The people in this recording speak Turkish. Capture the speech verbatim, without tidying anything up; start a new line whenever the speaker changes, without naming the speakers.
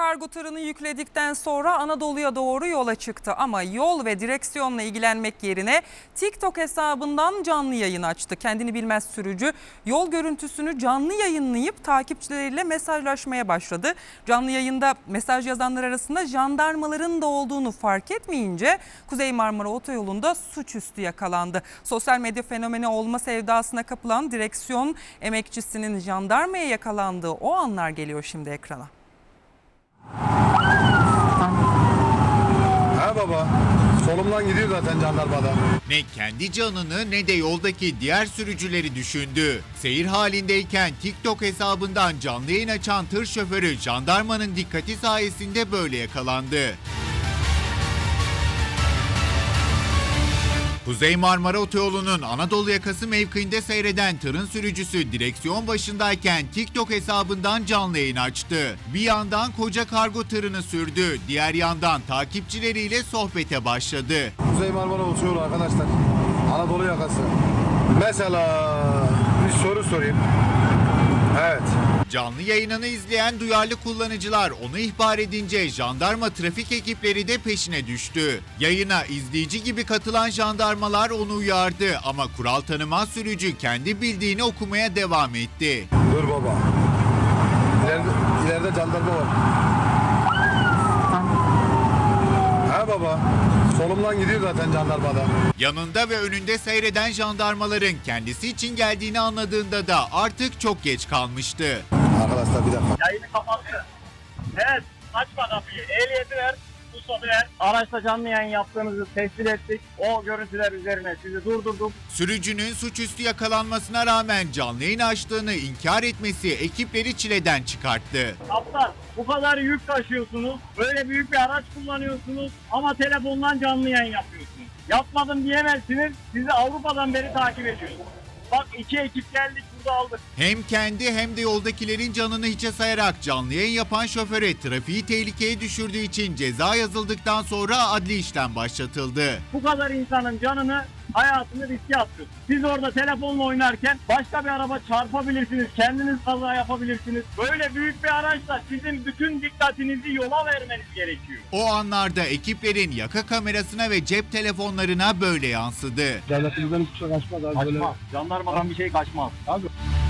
kargo tırını yükledikten sonra Anadolu'ya doğru yola çıktı. Ama yol ve direksiyonla ilgilenmek yerine TikTok hesabından canlı yayın açtı. Kendini bilmez sürücü yol görüntüsünü canlı yayınlayıp takipçileriyle mesajlaşmaya başladı. Canlı yayında mesaj yazanlar arasında jandarmaların da olduğunu fark etmeyince Kuzey Marmara Otoyolu'nda suçüstü yakalandı. Sosyal medya fenomeni olma sevdasına kapılan direksiyon emekçisinin jandarmaya yakalandığı o anlar geliyor şimdi ekrana.
Ha baba, solumdan gidiyor zaten jandarmada.
Ne kendi canını ne de yoldaki diğer sürücüleri düşündü. Seyir halindeyken TikTok hesabından canlı yayın açan tır şoförü jandarmanın dikkati sayesinde böyle yakalandı. Kuzey Marmara Otoyolu'nun Anadolu yakası mevkiinde seyreden tırın sürücüsü direksiyon başındayken TikTok hesabından canlı yayın açtı. Bir yandan koca kargo tırını sürdü, diğer yandan takipçileriyle sohbete başladı.
Kuzey Marmara Otoyolu arkadaşlar, Anadolu yakası. Mesela bir soru sorayım. Evet.
Canlı yayınını izleyen duyarlı kullanıcılar onu ihbar edince jandarma trafik ekipleri de peşine düştü. Yayına izleyici gibi katılan jandarmalar onu uyardı ama kural tanımaz sürücü kendi bildiğini okumaya devam etti.
Dur baba. İleride, ileride jandarma var. Ha baba, solumdan gidiyor zaten jandarmada.
Yanında ve önünde seyreden jandarmaların kendisi için geldiğini anladığında da artık çok geç kalmıştı.
Arkadaşlar bir dakika.
Yayını kapattı. Evet, açma kapıyı. Ehliyeti ver, ruhsatı ver. Araçta canlı yayın yaptığınızı tespit ettik. O görüntüler üzerine sizi durdurduk.
Sürücünün suçüstü yakalanmasına rağmen canlı yayın açtığını inkar etmesi ekipleri çileden çıkarttı.
Kaptan, bu kadar yük taşıyorsunuz. Böyle büyük bir araç kullanıyorsunuz ama telefondan canlı yayın yapıyorsunuz. Yapmadım diyemezsiniz. Sizi Avrupa'dan beri takip ediyoruz. Bak iki ekip geldik, burada aldık.
Hem kendi hem de yoldakilerin canını hiçe sayarak canlı yayın yapan şoföre trafiği tehlikeye düşürdüğü için ceza yazıldıktan sonra adli işlem başlatıldı.
Bu kadar insanın canını, hayatını riske atıyorsunuz. Siz orada telefonla oynarken başka bir araba çarpabilirsiniz, kendiniz kaza yapabilirsiniz. Böyle büyük bir araçla sizin bütün dikkatinizi yola vermeniz gerekiyor.
O anlarda ekiplerin yaka kamerasına ve cep telefonlarına böyle yansıdı.
Devletimizden hiçbir şey kaçmaz abi.
Kaçmaz. Jandarmadan bir şey kaçmaz.
Abi